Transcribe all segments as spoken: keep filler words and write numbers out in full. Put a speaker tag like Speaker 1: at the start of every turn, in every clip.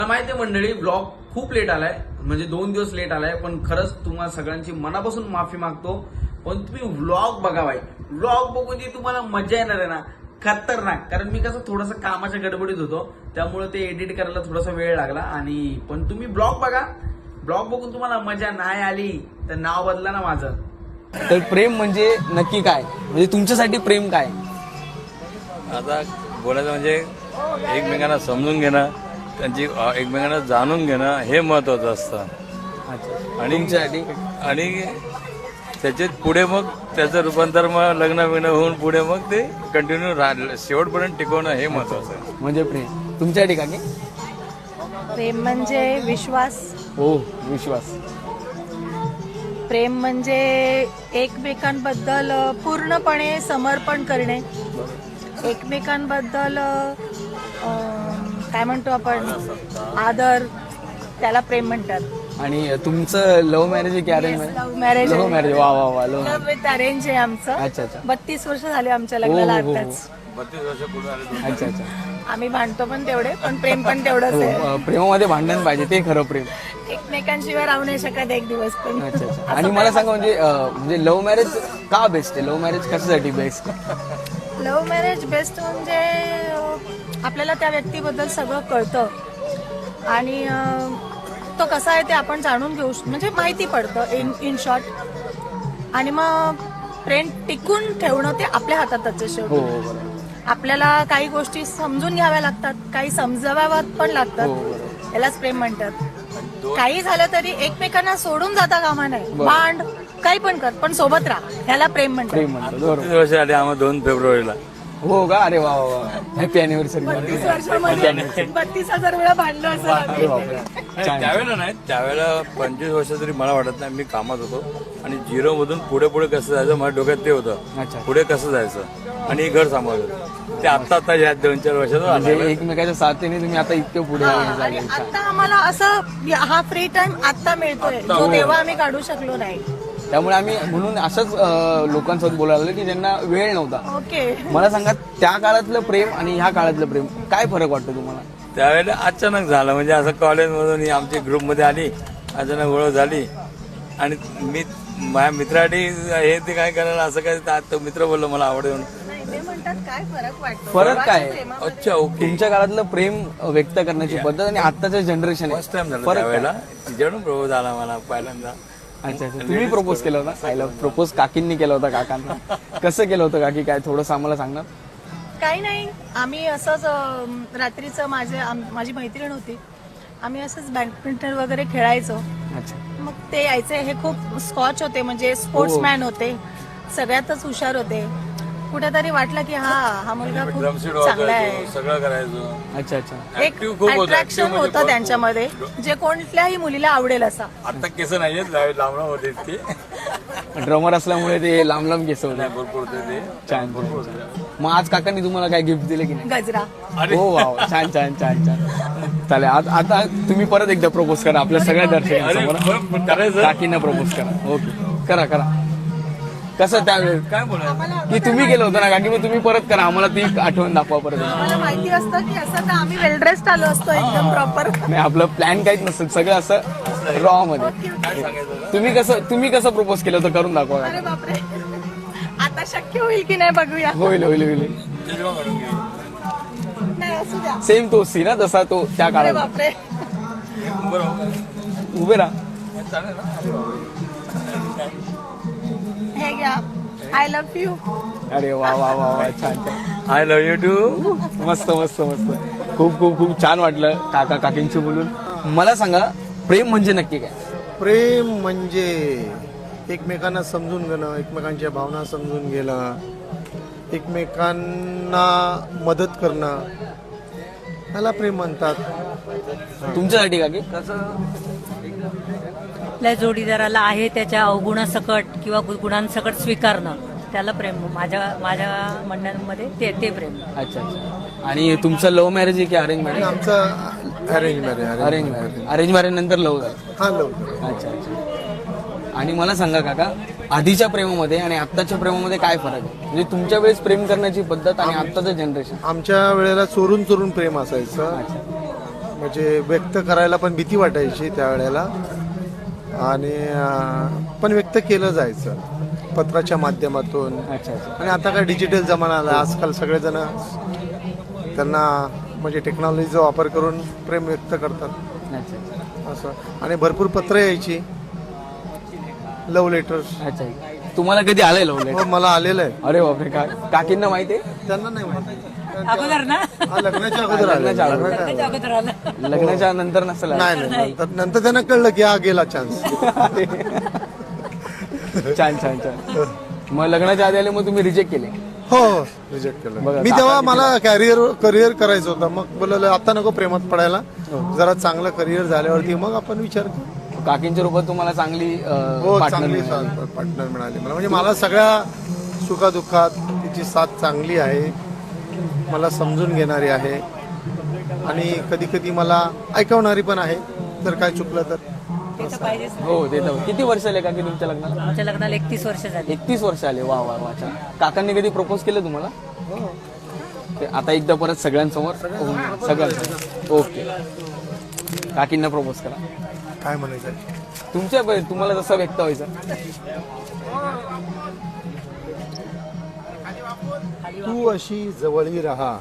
Speaker 1: माहिती मंडळी, ब्लॉग खूप लेट आलाय, म्हणजे दोन दिवस लेट आलाय, पण खरंच तुम्हाला सगळ्यांची मनापासून माफी मागतो. पण तुम्ही व्लॉग बघा भाई, व्लॉग बघून जी तुम्हाला मजा येणार आहे ना, खतरनाक. कारण मी कसं थोडंसं कामाच्या गडबडीत होतो, त्यामुळे ते एडिट करायला थोडासा वेळ लागला. आणि पण तुम्ही ब्लॉग बघा, ब्लॉग बघून तुम्हाला मजा नाही आली तर नाव बदला ना माझं.
Speaker 2: तर प्रेम म्हणजे नक्की काय, म्हणजे तुमच्यासाठी प्रेम काय?
Speaker 3: आता बोलायचं म्हणजे एकमेकांना समजून घेणं, त्यांची एकमेकांना जाणून घेणं हे महत्वाचं असतं. आणि
Speaker 2: तुमच्यासाठी
Speaker 3: आणि त्याच्यात पुढे मग त्याचं रूपांतर मग लग्न बिग्न होऊन पुढे मग ते कंटिन्यू राहिलं शेवटपर्यंत टिकवणं हे महत्वाचं आहे.
Speaker 2: म्हणजे प्रेम तुमच्यासाठी का?
Speaker 4: प्रेम म्हणजे विश्वास.
Speaker 2: हो, विश्वास.
Speaker 4: प्रेम म्हणजे एकमेकांबद्दल पूर्णपणे समर्पण करणे, एकमेकांबद्दल अं, काय म्हणतो आपण, आदर, त्याला प्रेम म्हणतात.
Speaker 2: आणि तुमचं लव्ह मॅरेज आहे की arrange marriage?
Speaker 4: Love marriage.
Speaker 2: Love marriage. वा वा वा. लव्ह
Speaker 4: लव्ह विथ अरेंज आहे आमचं.
Speaker 2: अच्छा अच्छा.
Speaker 4: बत्तीस वर्ष झाले आमच्या
Speaker 2: हो,
Speaker 4: लग्नाला
Speaker 2: हो, हो.
Speaker 4: आताच.
Speaker 3: बत्तीस वर्ष पूर्ण आले.
Speaker 2: अच्छा अच्छा.
Speaker 4: आम्ही भांडतो पण तेवढे, पण प्रेम पण तेवढंच आहे.
Speaker 2: हो, प्रेमामध्ये भांडण पाहिजे, ते खरं प्रेम.
Speaker 4: एकमेकांशिवाय राहू नाही शकत एक दिवस पण.
Speaker 2: अच्छा अच्छा. आणि मला सांगा, म्हणजे अं, म्हणजे लव्ह मॅरेज का बेस्ट आहे? लव्ह मॅरेज कशासाठी बेस्ट?
Speaker 4: लव्ह मॅरेज बेस्ट म्हणजे अं, आपल्याला त्या व्यक्तीबद्दल सगळं कळतं आणि अं, तो कसा आहे ते आपण जाणून घेऊ श- म्हणजे माहिती पडतं इन इन शॉर्ट. आणि मग प्रेम टिकून ठेवणं ते आपल्या हातातच आहे
Speaker 2: हो
Speaker 4: शेवटी.
Speaker 2: हो, बरोबर.
Speaker 4: आपल्याला काही गोष्टी समजून घ्याव्या लागतात, काही समजाव्या पण
Speaker 2: हो,
Speaker 4: लागतात.
Speaker 2: बरोबर.
Speaker 4: यालाच प्रेम म्हणतात. काही झालं तरी एकमेकांना सोडून जाता कामा नाही.
Speaker 2: बरोबर.
Speaker 4: भांड काही पण कर, पण सोबत राहा, ह्याला प्रेम म्हणतात.
Speaker 2: प्रेम म्हणतो, बरोबर.
Speaker 3: बत्तीस वर्ष आले आम्हाला दोन फेब्रुवारीला.
Speaker 2: हो का? अरे वा वा वा. Happy anniversary.
Speaker 4: बत्तीस वर्षामध्ये बत्तीस हजार वेळा भांडलो असं
Speaker 2: अरे
Speaker 4: आम्ही.
Speaker 2: बापरे.
Speaker 3: नाही,
Speaker 2: छान.
Speaker 3: त्यावेळेला नाही, त्यावेळेला पंचवीस वर्ष तरी मला वाटत नाही. मी कामात होतो आणि झिरो मधून पुढे पुढे कसं जायचं माझ्या डोक्यात ते होतं.
Speaker 2: अच्छा.
Speaker 3: पुढे कसं जायचं आणि घर सांभाळलं ते आता आता या दोन चार वर्षात
Speaker 2: म्हणजे
Speaker 3: आलं.
Speaker 2: एकमेकाच्या साथीने तुम्ही आता इतके पुढे
Speaker 4: हा, आणि
Speaker 2: झाले. छान.
Speaker 4: आता आम्हाला असं हा फ्री टाइम आता मिळतोय, जो तेव्हा आम्ही काढू शकलो नाही.
Speaker 2: त्यामुळे आम्ही म्हणून असंच अं, लोकांसोबत बोलायला लागलो की ज्यांना वेळ नव्हता.
Speaker 4: ओके.
Speaker 2: मला सांगा, त्या काळातलं प्रेम आणि ह्या काळातलं प्रेम काय फरक वाटतो तुम्हाला?
Speaker 3: त्यावेळेला अचानक झालं, म्हणजे असं कॉलेजमधून ही आमची ग्रुपमध्ये आली, अचानक ओळख झाली आणि मी माझ्या मित्रासाठी हे ते काय करायला असं काय ता- तो मित्र बोललो मला आवडेल.
Speaker 4: नाही, ते म्हणतात काय फरक वाटतो
Speaker 2: फरक काय?
Speaker 4: देवाच्या प्रेमामध्ये.
Speaker 3: अच्छा, ओके.
Speaker 2: तुमच्या काळातलं प्रेम व्यक्त करण्याची पद्धत आणि आत्ताचं जनरेशन
Speaker 3: फर्स्ट टाइम झालं
Speaker 2: फरक
Speaker 3: त्यावेळेला.
Speaker 2: काय?
Speaker 3: तिच्याकडून प्रपोज झाला मला पहिल्यांदा.
Speaker 2: अच्छा अच्छा. तुम्ही प्रपोज केला होता? आय लव्ह प्रपोज काकींनी केला होता काकांना. कसं केलं होतं काकी, काय थोडंसं आम्हाला सांगणार?
Speaker 4: काही नाही, आम्ही असंच अं, रात्रीचं माझे आम- माझी मैत्रीण होती, आम्ही असंच बॅडमिंटन वगैरे खेळायचो.
Speaker 2: अच्छा.
Speaker 4: मग ते यायचे, हे खूप स्कॉच होते, म्हणजे स्पोर्ट्समॅन होते, सगळ्यातच हुशार होते. कुठेतरी वाटलं की हा हा मुलगा
Speaker 3: ड्रमशीट
Speaker 4: खूप चांगला आहे.
Speaker 3: वाजवायचो, सगळं करायचो.
Speaker 2: अच्छा अच्छा.
Speaker 4: एक
Speaker 3: Active खूप होतं.
Speaker 4: अट्रॅक्शन
Speaker 3: Active म्हणजे
Speaker 4: होतं त्यांच्यामध्ये, जे कोणत्याही मुलीला आवडेल असा.
Speaker 3: आता केस नाहीयेत, लांब होते इतके.
Speaker 2: ड्रमर असल्यामुळे ते लांब लांब केस होते.
Speaker 3: नाही, भरपूर होते ते.
Speaker 2: छान छान. मग आज काकांनी तुम्हाला काय गिफ्ट दिले की नाही?
Speaker 4: गजरा.
Speaker 2: हो वाव, छान छान छान छान. चालेल, आता आता तुम्ही परत एकदा प्रपोज करा आपल्या सगळ्या
Speaker 3: अरे,
Speaker 2: दर्शकांसमोर.
Speaker 3: बरं, करायचं.
Speaker 2: काकींना प्रपोज करा. ओके, करा करा. कसं त्यावेळेस
Speaker 3: काय बोलायचं?
Speaker 2: की तुम्ही केलं होतं ना काकी, मग तुम्ही परत करा, आम्हाला ती आठवण दाखवा परत.
Speaker 4: मला माहिती असतं की असं तर आम्ही वेल ड्रेस्ड आलो असतो एकदम प्रॉपर.
Speaker 2: नाही, आपलं प्लॅन काहीच नसतं, सगळं असं रॉ मध्ये. तुम्ही कसं तुम्ही कसं प्रपोज केलं होतं, करून दाखवा.
Speaker 4: अरे बापरे, आता शक्य होईल की नाही बघूया.
Speaker 2: होईल होईल होईल.
Speaker 3: चष्मा काढून घे.
Speaker 4: नाही, असू द्या.
Speaker 2: सेम तो सी ना, जसा तो त्या
Speaker 4: अरे
Speaker 2: काळात.
Speaker 4: बापरे.
Speaker 3: बरं,
Speaker 2: उभे राहा.
Speaker 3: चालेल ना?
Speaker 4: हे घ्या, आय लव्ह यू.
Speaker 2: अरे वा वा वा वा, छान छान.
Speaker 3: I love you too.
Speaker 2: मस्त मस्त मस्त. खूप खूप खूप छान वाटलं काका काकींशी बोलून. मला सांगा, प्रेम म्हणजे नक्की काय?
Speaker 5: प्रेम म्हणजे एकमेकांना समजून घेणं, एकमेकांच्या भावना समजून घेणं, एकमेकांना मदत करणं, त्याला प्रेम म्हणतात.
Speaker 2: तुमच्यासाठी काकी?
Speaker 6: आपल्या जोडीदाराला आहे त्याच्या अवगुणासकट किंवा गुणांसकट स्वीकारणं, त्याला प्रेम. माझ्या माझ्या म्हणण्यामध्ये ते ते प्रेम.
Speaker 2: अच्छा अच्छा. आणि तुमचं लव्ह मॅरेज आहे की अरेंज मॅरेज?
Speaker 5: आमचं arrange marriage.
Speaker 2: Arrange marriage. Arrange marriage नंतर लव्ह झालं?
Speaker 5: हा, लव.
Speaker 2: अच्छा अच्छा. आणि मला सांगा काका, आधीच्या प्रेमामध्ये आणि आत्ताच्या प्रेमामध्ये काय फरक आहे? म्हणजे तुमच्या वेळेस प्रेम करण्याची पद्धत आणि आत्ताचं जनरेशन.
Speaker 5: आमच्या वेळेला चोरून चोरून प्रेम असायचं.
Speaker 2: अच्छा.
Speaker 5: म्हणजे व्यक्त करायला पण भीती वाटायची त्यावेळेला आणि अं, पण व्यक्त केलं जायचं पत्राच्या माध्यमातून.
Speaker 2: अच्छा अच्छा
Speaker 5: आणि आता काय डिजिटल जमाना आला, आजकाल सगळेजण त्यांना म्हणजे टेक्नॉलॉजीचा वापर करून प्रेम व्यक्त करतात
Speaker 2: अच्छा अच्छा
Speaker 5: असं. आणि भरपूर पत्र यायची, लव्ह लेटर्स.
Speaker 2: अच्छा तुम्हाला कधी आलंय लव्ह लेटर?
Speaker 5: हो, मला आलेलं आहे.
Speaker 2: अरे बापरे, का काकींना माहिती आहे?
Speaker 5: त्यांना नाही माहिती.
Speaker 6: अगोदर ना
Speaker 5: हा, लग्नाच्या अगोदर आलेलं.
Speaker 2: लग्नाच्या अगोदर.
Speaker 5: लग्नाच्या अगोदर.
Speaker 6: अगोदर आलं
Speaker 2: लग्नाच्या नंतर नसेल आलं?
Speaker 5: नाही नाही नंतर नंतर त्यांना कळलं की हा गेला चान्स.
Speaker 2: छान छान छान. मग लग्नाच्या आधी आले मग तुम्ही रिजेक्ट केले?
Speaker 5: हो रिजेक्ट
Speaker 2: बघा,
Speaker 5: केलं मी. तेव्हा मला कॅरियर करिअर करायचं होतं. मग बोललं आता नको प्रेमात पडायला, जरा चांगलं करिअर झाल्यावरती मग आपण विचार करू.
Speaker 2: काकींच्या रूपात तुम्हाला चांगली
Speaker 5: हो
Speaker 2: पार्टनर
Speaker 5: चांगली
Speaker 2: मिळाली.
Speaker 5: पार्टनर मिळाली मला. म्हणजे मला सगळ्या सुखादुःखात तिची साथ चांगली आहे, मला समजून घेणारी आहे आणि कधी कधी मला ऐकवणारी पण आहे जर काय चुकलं तर.
Speaker 6: ते तर पाहिजेच.
Speaker 2: हो ते तर. किती वर्ष आले काकी तुमच्या लग्नाला?
Speaker 6: आमच्या लग्नाला एकतीस वर्ष झाली.
Speaker 2: एकतीस वर्ष आले. वा वा वा छान. काकांनी कधी प्रपोज केलं तुम्हाला? ते आता एकदा परत सगळ्यांसमोर सगळ्यांसमोर. ओके, काकींना प्रपोज करा.
Speaker 5: काय म्हणायचं?
Speaker 2: तुमच्या तुम्हाला जसं व्यक्त व्हायचं.
Speaker 5: तू अशी जवळी राहा,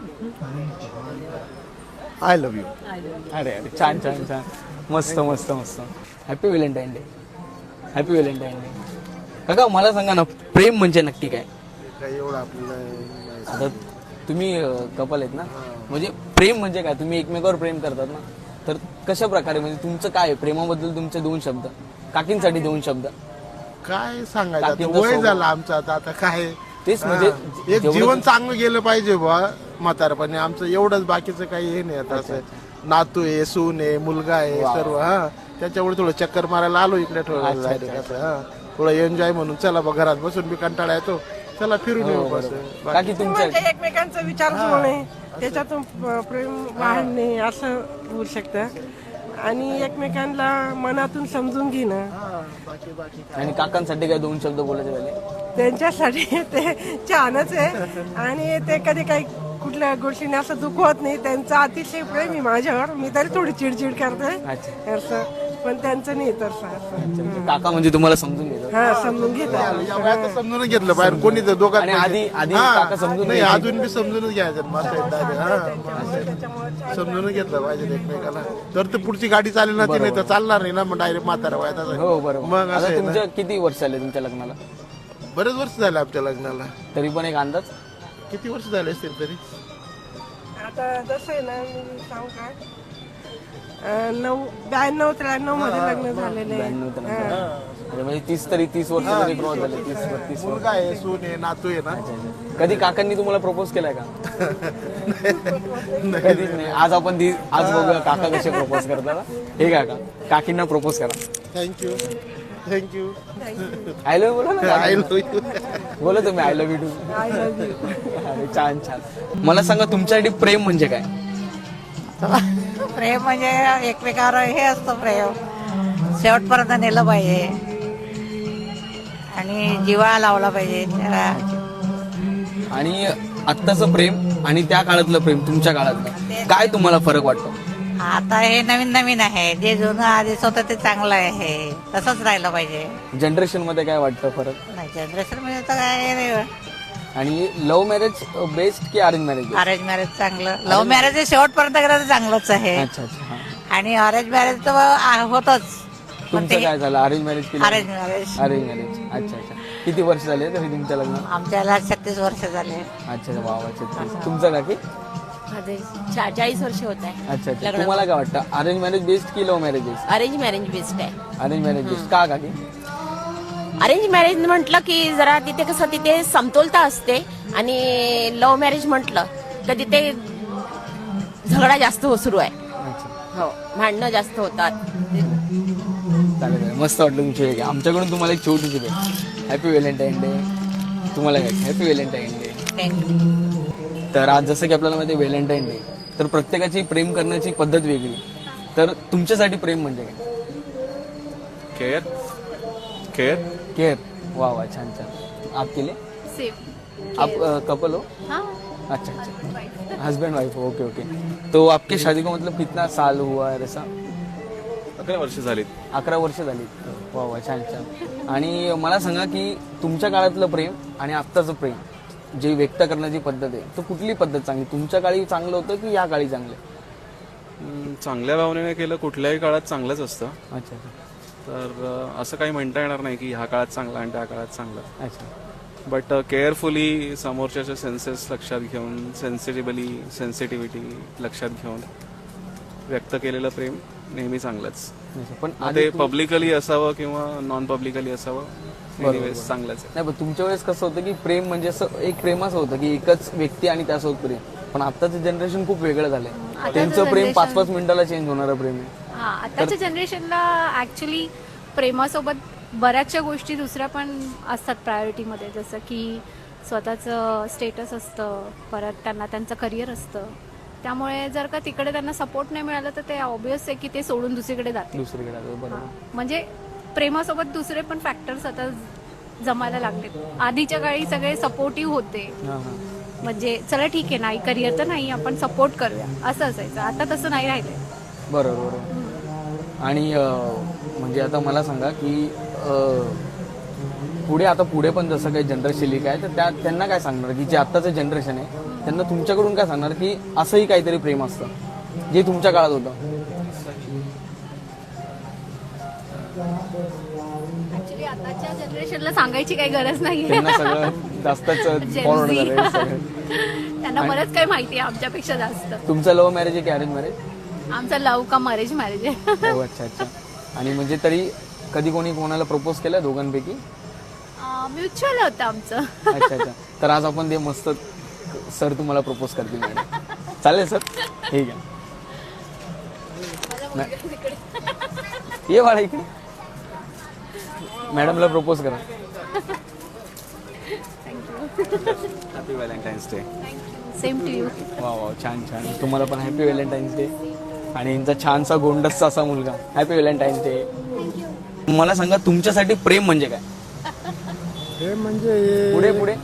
Speaker 5: आय लव्ह यू.
Speaker 2: अरे अरे छान छान छान. मस्त मस्त मस्त. Happy Valentine Day. Happy Valentine Day. काका मला सांगा ना, प्रेम म्हणजे नक्की काय?
Speaker 5: काही एवढं आपल्याला
Speaker 2: आता तुम्ही कपल आहेत ना, म्हणजे प्रेम म्हणजे काय? तुम्ही एकमेकावर प्रेम करतात ना, तर कशा प्रकारे म्हणजे तुमचं काय आहे? प्रेमाबद्दल तुमचे दोन शब्द, काकींसाठी दोन शब्द.
Speaker 5: काय सांगायचं आता,
Speaker 2: काकींचं
Speaker 5: वय
Speaker 2: स्वभाव.
Speaker 5: झालं आमचं आता. आता काय
Speaker 2: तेच म्हणजे
Speaker 5: हा. एक
Speaker 2: जेवढं-
Speaker 5: जीवन चांगलं गेलं पाहिजे बा म्हातारपणे आमचं, एवढंच. बाकीचं काही हे नाही आता. असं नातू आहे, सून आहे, मुलगा आहे, सर्व. हा त्याच्यामुळे थोडं चक्कर मारायला आलो इकडे थोडं
Speaker 2: अच्छा,
Speaker 5: जायला
Speaker 2: अच्छा,
Speaker 5: कसं, हा थोडं एन्जॉय म्हणून. चला बा घरात बसून बी कंटाळा येतो, चला फिरून येऊ बस.
Speaker 2: काकी तुमच्या
Speaker 7: म्हणजे एकमेकांचा विचार होणे, त्याच्यातून प- प्रेम वाढणे असं होऊ शकतं. आणि एकमेकांना मनातून समजून घेणं,
Speaker 2: आणि काकांसाठी काय दोन शब्द बोलायचे झाले?
Speaker 7: त्यांच्यासाठी ते छानच आहे. आणि ते कधी काही कुठल्या गोष्टीने असं दुखवत नाही. त्यांचं अतिशय प्रेम आहे माझ्यावर. मी तरी थोडी चिडचिड करते
Speaker 2: अच्छा
Speaker 7: असं, पण त्यांचं नाही तसं असं.
Speaker 2: काका म्हणजे तुम्हाला समजून घेतात.
Speaker 7: हा समजून घेतात.
Speaker 5: या वयात समजूनच घेतलं बाहेर कोणी तर दोघात
Speaker 2: आणि आधी- आधी
Speaker 5: हा.
Speaker 2: काका समजून
Speaker 5: नाही,
Speaker 2: घ्यायचे.
Speaker 5: अजून बी समजूनच घ्यायचं. मस्त आहे, दादा. हा. समजूनच घेतलं पाहिजे एकमेकाला, तर ते पुढची गाडी चालेल ना, ती नाही तर चालणार नाही ना. मग डायरेक्ट म्हातारा वयात असं.
Speaker 2: हो बरोबर.
Speaker 5: मग असं
Speaker 2: आता
Speaker 5: आहे ना.
Speaker 2: तुमच्या किती वर्ष आले तुमच्या लग्नाला?
Speaker 5: बरेच वर्ष झाले आमच्या लग्नाला.
Speaker 2: तरी पण एक अंदाज?
Speaker 5: किती वर्ष झाले असतील तरी?
Speaker 7: आता जसं आहे ना, मी सांगू काय, अं, नऊ ब्याण्णव त्र्याण्णव मध्ये लग्न झालेले
Speaker 2: ब्याण्णव तर
Speaker 7: आहे.
Speaker 2: नंतर. अच्छा, म्हणजे तीस तरी तीस वर्ष तरी क्रॉस झाले. तीस बत्तीस वर्ष.
Speaker 5: मुलगा आहे, सून आहे, नातू आहे ना.
Speaker 2: कधी काकांनी तुम्हाला प्रपोज केलाय का? कधीच नाही. आज आपण ती आज बघूया काका कसे प्रपोज करतात. हे काका, काकींना प्रपोज करा.
Speaker 5: Thank you thank you.
Speaker 2: आय लव्ह बोला ना.
Speaker 5: I love you.
Speaker 2: बोला तुम्ही I love you too.
Speaker 7: I love you.
Speaker 2: अरे छान छान. मला सांगा तुमच्यासाठी प्रेम म्हणजे काय?
Speaker 8: प्रेम म्हणजे एकमेकावर हे असतं प्रेम, शेवटपर्यंत नेलं पाहिजे आणि जिव्हाळा लावला पाहिजे त्याला.
Speaker 2: आणि आत्ताचं प्रेम आणि त्या काळातलं प्रेम, तुमच्या काळातलं काय तुम्हाला फरक वाटतो?
Speaker 8: आता हे नवीन नवीन आहे, जे जुनं आधीच होतं ते चांगलं आहे, तसंच राहिलं पाहिजे.
Speaker 2: जनरेशन मध्ये काय वाटतं फरक?
Speaker 8: नाही जनरेशन मध्ये तर काय नाही.
Speaker 2: आणि लव्ह मॅरेज बेस्ट की अरेंज मॅरेज?
Speaker 8: अरेंज मॅरेज चांगलं, लव्ह मॅरेज शेवटपर्यंत गेलं तर चांगलंच आहे.
Speaker 2: अच्छा अच्छा. हा.
Speaker 8: आणि अरेंज मॅरेज तर आ- होतच. पण
Speaker 2: तुमचं
Speaker 8: ते
Speaker 2: काय झालं? अरेंज मॅरेज केलं?
Speaker 8: Arrange marriage
Speaker 2: arrange marriage. अच्छा अच्छा. किती वर्ष झाले तरी तुमच्या लग्न?
Speaker 8: आमच्याला छत्तीस वर्ष झाले.
Speaker 2: अच्छा वा वा. छत्तीस. तुमचं काकी?
Speaker 9: माझे चा- चाळीस वर्ष होत आहे.
Speaker 2: अच्छा अच्छा.
Speaker 9: लग्न.
Speaker 2: तुम्हाला काय वाटतं, अरेंज मॅरेज बेस्ट की love marriage best?
Speaker 9: Arrange marriage best आहे.
Speaker 2: अरेंज मॅरेज बेस्ट का काकी?
Speaker 9: अरेंज मॅरेज म्हटलं की जरा तिथे कसं तिथे समतोलता असते, आणि लव्ह मॅरेज म्हटलं तर तिथे झगडा जास्त हो सुरू आहे.
Speaker 2: अच्छा
Speaker 9: हो, भांडणं जास्त होतात.
Speaker 2: चालेल चालेल. मस्त वाटलं तुमची वेगळी. आमच्याकडून तुम्हाला एक छोटीशी भेट. Happy Valentine Day. तुम्हाला काय? Happy Valentine Day. तर आज जसं की आपल्याला माहिती आहे व्हॅलेंटाईन डे, तर प्रत्येकाची प्रेम करण्याची पद्धत वेगळी. तर तुमच्यासाठी प्रेम म्हणजे काय?
Speaker 10: Care care
Speaker 2: care. वा वा छान छान. आप केले?
Speaker 9: सेफ
Speaker 2: आप कपल हो?
Speaker 9: हा
Speaker 2: अच्छा अच्छा, हस्बैंड वाइफ, ओके ओके. तो आपकी शादी को मतलब कितना साल हुआ है ऐसा?
Speaker 10: अकरा वर्ष झालीत.
Speaker 2: अकरा वर्ष झाली. वा वा, छान छान. आणि मला सांगा की तुमच्या काळातलं प्रेम आणि आत्ताचं प्रेम जे व्यक्त करण्याची पद्धत आहे, तो कुठली पद्धत चांगली? तुमच्या काळी चांगलं होतं की या काळी चांगलं?
Speaker 10: हम्म, चांगल्या भावनेने केलं कुठल्याही काळात चांगलंच असतं.
Speaker 2: अच्छा अच्छा
Speaker 10: तर अ, असं काही म्हणता येणार नाही की ह्या काळात चांगलं आणि त्या काळात चांगलं.
Speaker 2: अच्छा.
Speaker 10: बट केअरफुली समोरच्याचे सेन्सेस लक्षात घेऊन, सेन्सिटिव्हली सेन्सिटिव्हिटी लक्षात घेऊन व्यक्त केलेलं प्रेम नेहमी चांगलंच.
Speaker 2: अच्छा. पण
Speaker 10: मग
Speaker 2: आधी
Speaker 10: ते
Speaker 2: तू-
Speaker 10: पब्लिकली असावं किंवा नॉन पब्लिकली असावं, एनिवेज चांगलंच आहे.
Speaker 2: नाही, पण तुमच्या वेळेस कसं होतं की प्रेम म्हणजे असं एक प्रेम असं होतं की एकच व्यक्ती आणि त्यासोबत प्रेम. पण आताचं जनरेशन खूप वेगळं झालंय. त्यांचं प्रेम पाच पाच मिनिटाला चेंज होणारं प्रेम आहे.
Speaker 11: हा, आताच्या जनरेशनला ऍक्च्युली प्रेमासोबत बऱ्याचशा गोष्टी दुसऱ्या पण असतात प्रायोरिटीमध्ये, जसं की स्वतःचं स्टेटस असतं, परत त्यांना त्यांचं करिअर असतं. त्यामुळे जर का तिकडे त्यांना सपोर्ट नाही मिळाला तर ते ऑब्विस आहे की ते सोडून दुसरीकडे जाते.
Speaker 2: दुसरीकडे आलं, बरोबर.
Speaker 11: म्हणजे प्रेमासोबत दुसरे पण फॅक्टर्स आता जमायला लागले. आधीच्या काळी सगळे सपोर्टिव्ह होते,
Speaker 2: हां हां.
Speaker 11: म्हणजे चला ठीक आहे, नाही करिअर तर नाही, आपण सपोर्ट करूया असं असायचं. आता तसं नाही राहिलंय.
Speaker 2: बरोबर बरोबर. आणि अं, म्हणजे आता मला सांगा की अं, पुढे आता पुढे पण जसं काही जनरेशन काय तर त्या त्यांना काय सांगणार की जे आत्ताचं जनरेशन आहे त्यांना तुमच्याकडून काय सांगणार की असंही काहीतरी प्रेम असतं जे तुमच्या काळात होतं?
Speaker 11: ऍक्च्युली आताच्या जनरेशनला सांगायची काही गरज नाहीये.
Speaker 2: त्यांना सगळं जास्तच
Speaker 11: Gen
Speaker 2: फॉरवर्ड
Speaker 11: Z.
Speaker 2: झालंय सगळं.
Speaker 11: त्यांना बरंच काही माहिती आहे आमच्यापेक्षा जास्त.
Speaker 2: तुमचं लव्ह मॅरेज आहे की अरेंज मॅरेज?
Speaker 11: आमचं लव्ह का मॅरेज मॅरेज आहे.
Speaker 2: हो, अच्छा अच्छा. आणि म्हणजे तरी कधी कोणी कोणाला प्रपोज केलं दोघांपैकी?
Speaker 11: म्युच्युअल होतं आमचं.
Speaker 2: अच्छा अच्छा. तर आज आपण ते मस्त सर तुम्हाला प्रपोज करतील मॅडम. चालेल सर? ठीक आहे. ये बाळा इकडे, मॅडमला प्रपोज करा.
Speaker 10: Happy Valentine's Day.
Speaker 11: Same to you.
Speaker 2: वा वा, छान छान. तुम्हाला पण हॅपी व्हॅलेंटाईन्स डे. आणि यांचा छानसा गोंडसचा असा मुलगा. Happy Valentine's Day. मला सांगा तुमच्यासाठी प्रेम म्हणजे काय?
Speaker 5: प्रेम म्हणजे
Speaker 2: पुढे पुढे.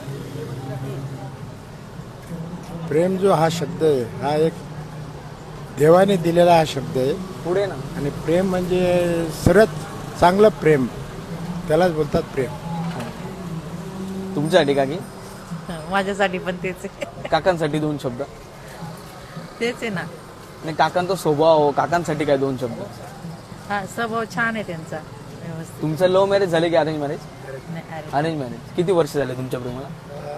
Speaker 5: प्रेम जो हा शब्द आहे हा एक देवाने दिलेला हा शब्द आहे.
Speaker 2: पुढे ना.
Speaker 5: आणि प्रेम म्हणजे सर्वात चांगलं प्रेम त्यालाच बोलतात प्रेम.
Speaker 2: तुमच्यासाठी का की
Speaker 8: माझ्यासाठी पण तेच आहे.
Speaker 2: काकांसाठी दोन शब्द?
Speaker 8: तेच आहे ना.
Speaker 2: नाही, काकांचा स्वभाव, काकांसाठी काय दोन शब्द?
Speaker 8: हा, स्वभाव छान आहे त्यांचा, व्यवस्थित.
Speaker 2: तुमचं लव्ह मॅरेज झाले की अरेंज मॅरेज?
Speaker 8: नाही, अरे,
Speaker 2: अरेंज मॅरेज. किती वर्ष झाले तुमच्या प्रेमाला?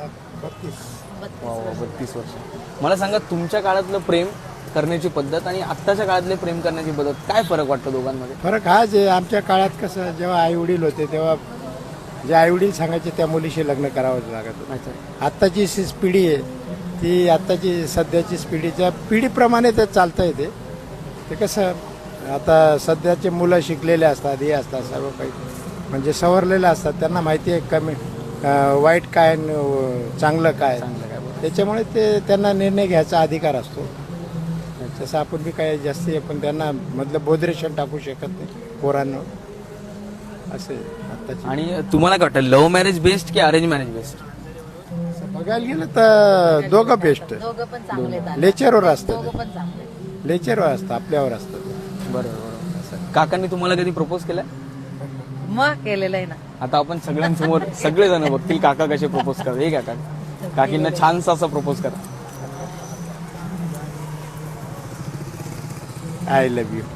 Speaker 2: वा वा, बत्तीस वर्ष. मला सांगा तुमच्या काळातलं प्रेम करण्याची पद्धत आणि आत्ताच्या काळातले प्रेम करण्याची पद्धत काय फरक वाटतो दोघांमध्ये?
Speaker 5: फरक हाच आहे. आमच्या काळात कसं जेव्हा आई वडील होते तेव्हा जे आई वडील सांगायचे त्या मुलीशी लग्न करावं लागत होतं.
Speaker 2: अच्छा.
Speaker 5: आत्ताची जी पिढी आहे ती आत्ताची सध्याची पिढीच्या पिढीप्रमाणे ते चालतं आहे. ते ते कसं आता सध्याचे मुलं शिकलेले असतात, हे असतात सर्व काही म्हणजे सवरलेले असतात. त्यांना माहिती आहे कमी अं, वाईट काय आणि, अं, चांगलं काय.
Speaker 2: चांगलं काय बरं.
Speaker 5: त्याच्यामुळे ते त्यांना निर्णय घ्यायचा अधिकार असतो. तसं आपण बी काय जास्ती आपण त्यांना मधलं बोधरेशन टाकू शकत नाही पोरांना असे आत्ताची.
Speaker 2: आणि तुम्हाला काय वाटतं, लव्ह मॅरेज बेस्ट की अरेंज मॅरेज बेस्ट?
Speaker 5: बघायला गेलं तर दोघं बेस्ट.
Speaker 8: दोघं पण चांगले आहेत.
Speaker 5: लेचरवर असतं,
Speaker 8: दोघं पण चांगले आहेत.
Speaker 5: लेचरवर असतं, आपल्यावर असतं.
Speaker 2: बरोबर बरोबर. काकांनी तुम्हाला कधी प्रपोज केलं?
Speaker 8: मग केलेलं आहे ना.
Speaker 2: आता आपण सगळ्यांसमोर सगळेजण बघतील काका कसे प्रपोज करतात. हे काका काकींना छानसा असं प्रपोज करा.
Speaker 5: I love you.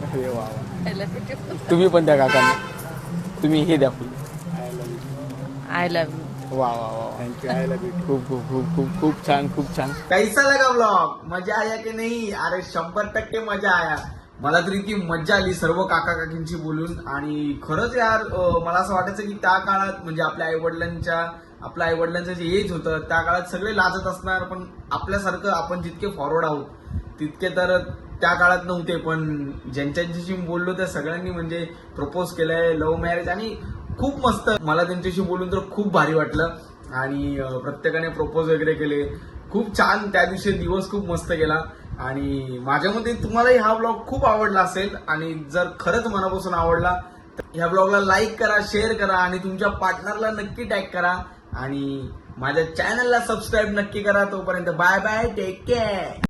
Speaker 2: तुम्ही पण त्या काकांना तुम्ही हे द्या फुल.
Speaker 8: I love you.
Speaker 2: वा वा वा.
Speaker 5: थँक्यू. I love you.
Speaker 2: खूप खूप खूप खूप खूप छान खूप छान.
Speaker 1: कैसा लगा ब्लॉग? मजा आया की नाही? अरे शंभर टक्के मजा आया. मला तरी इतकी मज्जा आली सर्व काका काकींशी बोलून. आणि खरंच यार अं, मला असं वाटायचं की त्या काळात म्हणजे आपल्या आई वडिलांच्या आपल्या आई वडिलांचं जे एज होतं त्या काळात सगळे लाजत असणार, पण आपल्यासारखं आपण जितके फॉरवर्ड आहोत तितके तर त्या काळात नव्हते. पण ज्यांच्याशी बोललो त्या सगळ्यांनी म्हणजे प्रपोज केलंय, लव्ह मॅरेज, आणि खूप मस्त. मला त्यांच्याशी बोलून तर खूप भारी वाटलं. आणि प्रत्येकाने प्रपोज वगैरे केले. खूप छान त्या दिवशी दिवस खूप मस्त गेला. आणि माझ्या मते तुम्हालाही हा ब्लॉग खूप आवडला असेल. आणि जर खरंच मनापासून आवडला तर ह्या ब्लॉगला लाईक करा, शेअर करा आणि तुमच्या पार्टनरला नक्की टॅग करा. आणि माझ्या चॅनलला सबस्क्राईब नक्की करा. तोपर्यंत बाय बाय, टेक केअर.